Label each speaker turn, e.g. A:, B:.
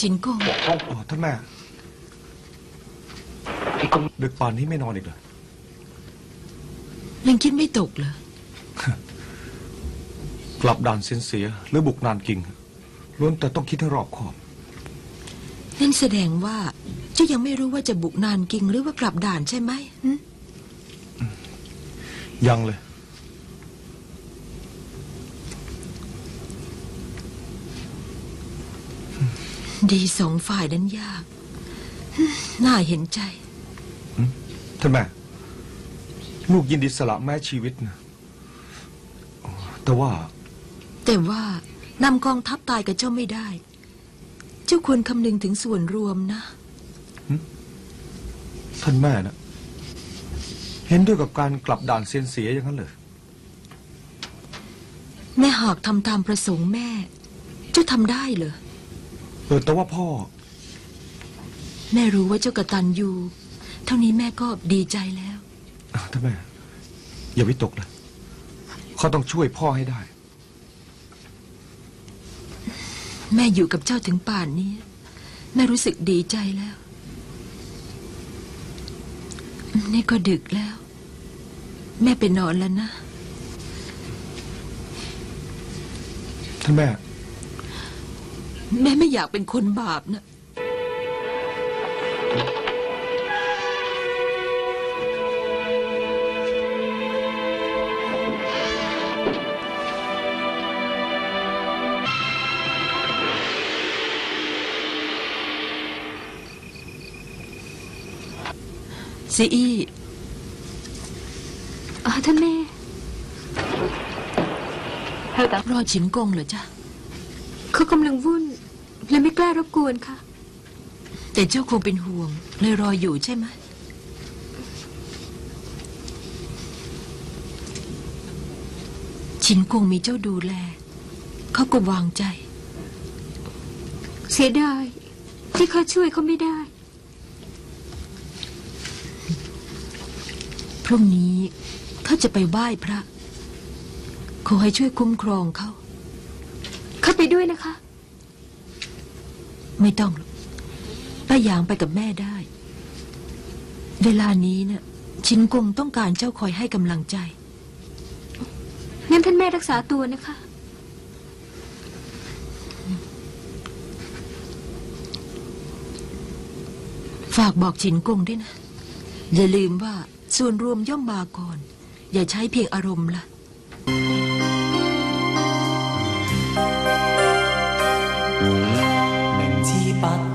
A: จินกง
B: ท่านแม่ดึกป่านนี้ไม่นอนอีกเหรอ
A: ยังคิดไม่ตกเหรอ
B: กลับด่านเซียนเสียหรือบุกนานกิงล้วนแต่ต้องคิดให้รอบคอบ
A: นั่นแสดงว่าเจ้ายังไม่รู้ว่าจะบุกนานกิงหรือว่ากลับด่านใช่ไหม
B: ยังเลย
A: ดีสองฝ่ายนั้นยากน่าเห็นใจ
B: ท่านแม่ลูกยินดีสละแม้ชีวิตนะแต่ว่
A: านำกองทัพตายกับเจ้าไม่ได้เจ้าควรคำนึงถึงส่วนรวมนะ
B: ท่านแม่นะเห็นด้วยกับการกลับด่านเซียนเสียอย่างนั้นเลย
A: แม่หากทำตามประสงค์แม่เจ้าทำได้เหรอ
B: แต่ว่าพ่อ
A: แม่รู้ว่าเจ้ากตัญญูเท่านี้แม่ก็ดีใจแล้ว
B: ท่านแม่อย่าวิตกเลยเขาต้องช่วยพ่อให้ได้
A: แม่อยู่กับเจ้าถึงป่านนี้แม่รู้สึกดีใจแล้วนี่ก็ดึกแล้วแม่ไปนอนแล้วนะ
B: ท่านแม่
A: ไม่อยากเป็นคนบาปนะซีอี้
C: ท่านแม่
A: รอฉินกงเหรอจ๊ะ
C: เขากำลังวุ่นและไม่กล้ารบกวนค่ะ
A: แต่เจ้าคงเป็นห่วงเลยรออยู่ใช่ไหมฉินกงมีเจ้าดูแลเขาก็วางใจ
C: เสียดายที่เขาช่วยเขาไม่ได้
A: พรุ่งนี้เขาจะไปไหว้พระขอให้ช่วยคุ้มครองเขา
C: ไปด้วยนะคะ
A: ไม่ต้องป้าหยางไปกับแม่ได้เวลานี้เนี่ยชินกงต้องการเจ้าคอยให้กำลังใจ
C: งั้นท่านแม่รักษาตัวนะคะ
A: ฝากบอกชินกงด้วยนะอย่าลืมว่าส่วนรวมย่อมมาก่อนอย่าใช้เพียงอารมณ์ล่ะ
D: 明知不